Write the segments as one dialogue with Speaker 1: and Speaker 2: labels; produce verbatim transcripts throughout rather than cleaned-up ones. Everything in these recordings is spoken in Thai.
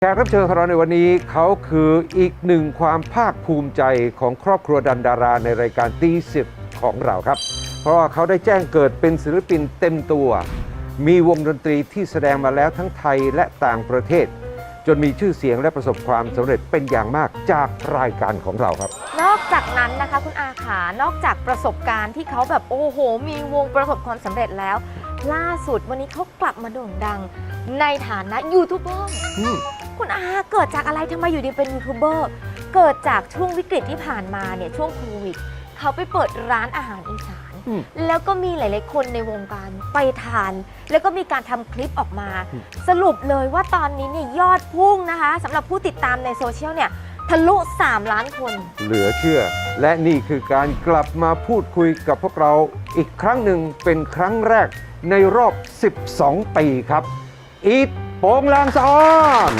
Speaker 1: แขกรับเชิญของเราในวันนี้เขาคืออีกหนึ่งความภาคภูมิใจของครอบครัวดันดาราในรายการตีสิบของเราครับเพราะว่าเขาได้แจ้งเกิดเป็นศิลปินเต็มตัวมีวงดนตรีที่แสดงมาแล้วทั้งไทยและต่างประเทศจนมีชื่อเสียงและประสบความสำเร็จเป็นอย่างมากจากรายการของเราครับ
Speaker 2: นอกจากนั้นนะคะคุณอาขานอกจากประสบการณ์ที่เขาแบบโอ้โหมีวงประสบความสำเร็จแล้วล่าสุดวันนี้เขากลับมาโด่งดังในฐานะยูทูบเบอร์คุณอาเกิดจากอะไรทำไมอยู่ดีเป็นยูทูบเบอร์เกิดจากช่วงวิกฤตที่ผ่านมาเนี่ยช่วงโควิดเขาไปเปิดร้านอาหารอีสานแล้วก็มีหลายๆคนในวงการไปทานแล้วก็มีการทำคลิปออกมาสรุปเลยว่าตอนนี้เนี่ยยอดพุ่งนะคะสำหรับผู้ติดตามในโซเชียลเนี่ยทะลุสามล้านคน
Speaker 1: เหลือเชื่อและนี่คือการกลับมาพูดคุยกับพวกเราอีกครั้งหนึ่งเป็นครั้งแรกในรอบสิบสองปีครับอีทโปงลางสะออน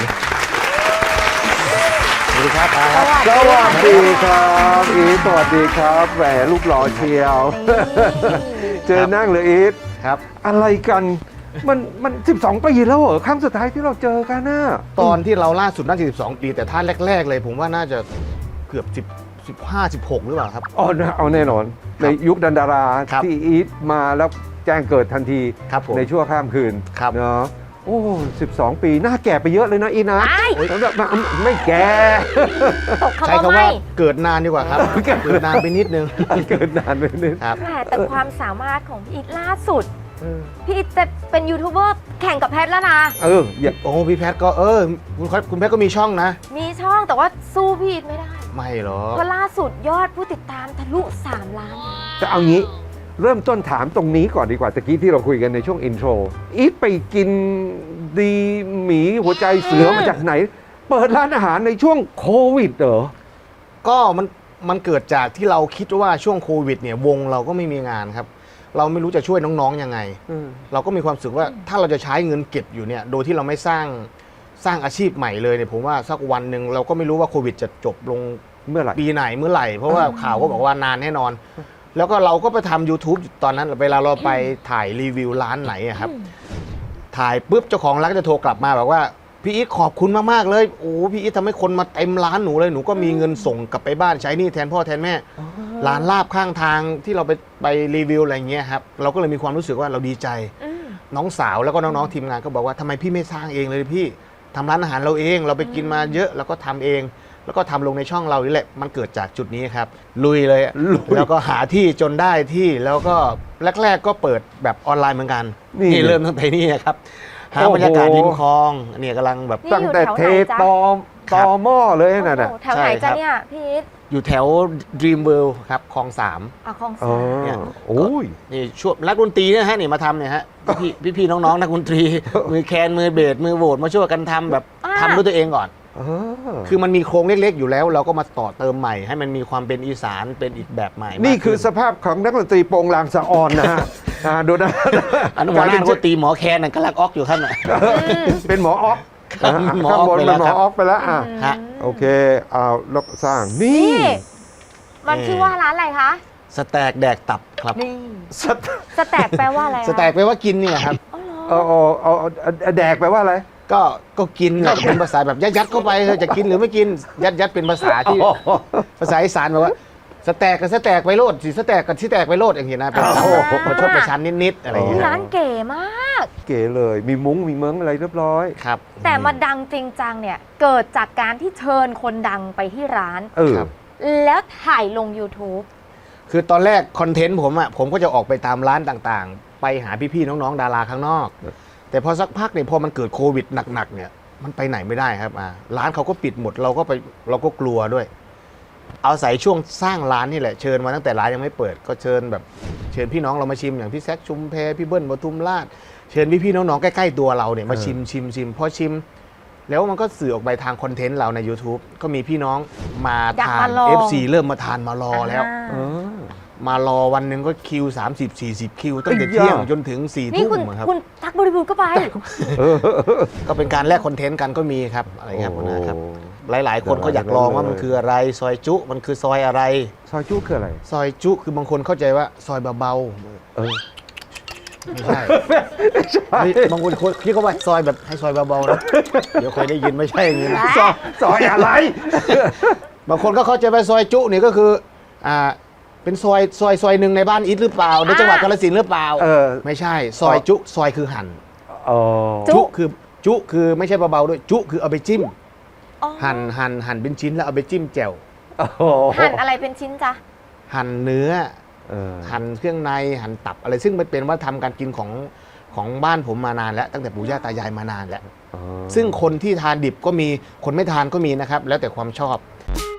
Speaker 3: สวัสดีครับ
Speaker 1: สวัสดีครับอีทสวัสดีครับแหมลูกหล่อเชียวเจอนั่งเลยอีท
Speaker 3: ครับ
Speaker 1: อะไรกันมันมันสิบสองปีแล้วเหรอครั้งสุดท้ายที่เราเจอกันน่ะ
Speaker 3: ตอนที่เราล่าสุดน่าจะสิบสองปีแต่ท่านแรกๆเลยผมว่าน่าจะเกือบสิบ สิบห้า สิบหกหรือเปล่าครับ
Speaker 1: อ๋อเอาแน่นอนในยุคดันดาราที่อีทมาแล้วแจ้งเกิดทันทีในชั่วข้ามคืนเนาะโอ้สิบสองปีหน้าแก่ไปเยอะเลยนะอีนะไม่แก่
Speaker 3: ใช้คำว่าเกิดนานดีกว่าครับเกิดนานไปนิดนึง
Speaker 1: เกิดนานไปนิด
Speaker 2: แต่ความสามารถของพี่อีทล่าสุดพี่อีทจะเป็นยูทูบเบอร์แข่งกับแพทแล้วนะ
Speaker 1: เออ
Speaker 3: โอ้พี่แพทก็เออคุณคุณแพทก็มีช่องนะ
Speaker 2: มีช่องแต่ว่าสู้พี่อีทไม่ได้
Speaker 3: ไม่หรอ
Speaker 2: ก็ล่าสุดยอดผู้ติดตามทะลุสามล้าน
Speaker 1: จะเอางี้เริ่มต้นถามตรงนี้ก่อนดีกว่าตะกี้ที่เราคุยกันในช่วงอินโทรอีทไปกินดีหมีหัวใจเสือมาจากไหนเปิดร้านอาหารในช่วงโควิดเหรอ
Speaker 3: ก็มันมันเกิดจากที่เราคิดว่าช่วงโควิดเนี่ยวงเราก็ไม่มีงานครับเราไม่รู้จะช่วยน้องๆยังไงเราก็มีความรู้สึกว่าถ้าเราจะใช้เงินเก็บอยู่เนี่ยโดยที่เราไม่สร้างสร้างอาชีพใหม่เลยเนี่ยผมว่าสักวันหนึ่งเราก็ไม่รู้ว่าโควิดจะจบลง
Speaker 1: เมื่อไหร่
Speaker 3: ปีไหนเมื่อไหร่เพราะว่าข่าวก็บอกว่านานแน่นอนแล้วก็เราก็ไปทำ YouTube ตอนนั้นเวลาเราไปถ่ายรีวิวร้านไหนครับถ่ายปุ๊บเจ้าของร้านก็จะโทรกลับมาบอกว่าพี่อีทขอบคุณมากๆเลยโอ้พี่อีททำให้คนมาเต็มร้านหนูเลยหนูก็มีเงินส่งกลับไปบ้านใช้หนี้แทนพ่อแทนแม่ร้านลาบข้างทางที่เราไปไปรีวิวอะไรเงี้ยครับเราก็เลยมีความรู้สึกว่าเราดีใจน้องสาวแล้วก็น้องๆทีมงานก็บอกว่าทำไมพี่ไม่สร้างเองเลยพี่ทำร้านอาหารเราเองเราไปกินมาเยอะแล้วก็ทำเองแล้วก็ทำลงในช่องเรานี่แหละมันเกิดจากจุดนี้ครับลุยเลยแล้วก็หาที่จนได้ที่แล้วก็แรกๆก็เปิดแบบออนไลน์เหมือนกันนี่เริ่มตั้งแต่นี่ครับหาบรรยากาศริมคลองเนี่ยกำลังแบบ
Speaker 1: ตั้งแต่เทตอมตอหม้อเลยน่ะนะ
Speaker 2: แถวไหนจ้ะเนี่ยพี่อีท
Speaker 3: อยู่แถว Dream World ครับคลองสาม
Speaker 2: อ่ะคลองสาม
Speaker 3: เนี่ยโอ้ยนี่ช่วงนักดนตรีเนี่ยฮะนี่มาทำเนี่ยฮะพี่พี่น้องๆนักดนตรีมือแคนมือเบสมือโหวดมาช่วยกันทำแบบทำด้วยตัวเองก่อนคือมันมีโครงเล็กๆอยู่แล้วเราก็มาต่อเติมใหม่ให้มันมีความเป็นอีสานเป็นอีกแบบใหม่
Speaker 1: นี่คือสภาพของนักดนตรีโปงลางสะออนนะฮะดูนะ
Speaker 3: อันนั้นหัวหน้าก็ตีหมอแคนนั่นกำลังออกอยู่ท่านน่ะ
Speaker 1: เป็นหมอออกข้างบนเป็นหมอออกไปแล้วอ่ะโอเคเอาลกสร้างนี่
Speaker 2: มันชื่อว่าร้านอะไรคะ
Speaker 3: สแต็กแดกตับครับ
Speaker 2: นี่สแต็กแปลว่าอะไร
Speaker 3: สแต็กแปลว่ากินนี่แหละครับ
Speaker 1: เอาเอาเอาแดกแปลว่าอะไร
Speaker 3: ก็ก็กินแหละเป็นภาษาแบบยัดๆเข้าไปจะกินหรือไม่กินยัดยัดเป็นภาษาที่ภาษาอีสานแบบว่าสแต็กกับสแต็กไปโลดสิสแต็กกับที่แตกไปโลดอย่างนี้นะเป็นโอ้ประชดประชันนิดๆอะไรอย่างเงี้ย
Speaker 2: ร้านเก๋มาก
Speaker 1: เก๋เลยมีมุ้งมีเมืองอะไรเรียบร้อย
Speaker 3: ครับ
Speaker 2: แต่มาดังจริงจังเนี่ยเกิดจากการที่เชิญคนดังไปที่ร้านแล้วถ่ายลง YouTube
Speaker 3: คือตอนแรกคอนเทนต์ผมอ่ะผมก็จะออกไปตามร้านต่างๆไปหาพี่ๆน้องๆดาราข้างนอกแต่พอสักพักเนี่ยพอมันเกิดโควิดหนักๆเนี่ยมันไปไหนไม่ได้ครับอ่าร้านเขาก็ปิดหมดเราก็ไปเราก็กลัวด้วยเอาใส่ช่วงสร้างร้านนี่แหละเชิญมาตั้งแต่ร้านยังไม่เปิดก็เชิญแบบเชิญพี่น้องเรามาชิมอย่างพี่แซคชุมแพพี่เบิ้ลปทุมราชเชิญพี่ๆน้องๆใกล้ๆตัวเราเนี่ยมาชิมชิมชิมพอชิมแล้วมันก็สื่อออกไปทางคอนเทนต์เราใน YouTube ก็มีพี่น้องมาทาน เอฟ ซี เริ่มมาทานมารอแล้วมารอวันหนึ่งก็คิวสามสิบ สี่สิบคิวตั้งแต่เที่ยงจนถึงสี่ทุ่มครับ
Speaker 2: คุณทักบริบูรณ์ก็ไป
Speaker 3: ก็เป็นการแลกคอนเทนต์กันก็มีครับอะไรครับนะครับหลายๆคนก็อยากลองว่ามันคืออะไรซอยจุมันคือซอยอะไร
Speaker 1: ซอยจุคืออะไร
Speaker 3: ซอยจุคือบางคนเข้าใจว่าซอยเบาๆไม่ใช่เฮ้ยบางคนพี่เขาว่าซอยแบบให้ซอยเบาๆนะเดี๋ยวเคยได้ยินไม่ใช่อย่างนี้นะ
Speaker 1: ซอยซอยอะไร
Speaker 3: บางคนก็เข้าใจว่าซอยจุนี่ก็คืออ่าเป็นซอยซอยซอยหนึ่งในบ้านอิทหรือเปล่าในจังหวัดกาฬสินธุ์หรือเปล่า
Speaker 1: เออ
Speaker 3: ไม่ใช่ซอยจุซอยคือหั่น
Speaker 1: อ๋อ
Speaker 2: จุ
Speaker 3: จุคือจุคือไม่ใช่เบาๆด้วยจุคือเอาไปจิ้ม
Speaker 2: อ๋อ
Speaker 3: หั่นหั่นหั่นเป็นชิ้นแล้วเอาไปจิ้มแจ่ว
Speaker 1: โอ้โห
Speaker 2: หั่นอะไรเป็นชิ้นจ๊ะ
Speaker 3: หั่นเนื้อ
Speaker 1: เออ
Speaker 3: หั่นเครื่องในหั่นตับอะไรซึ่งมันเป็นวัฒนธรรมการกินของของบ้านผมมานานแล้วตั้งแต่ปู่ย่าตายายมานานแล้ว
Speaker 1: อ๋อ
Speaker 3: ซึ่งคนที่ทานดิบก็มีคนไม่ทานก็มีนะครับแล้วแต่ความชอบ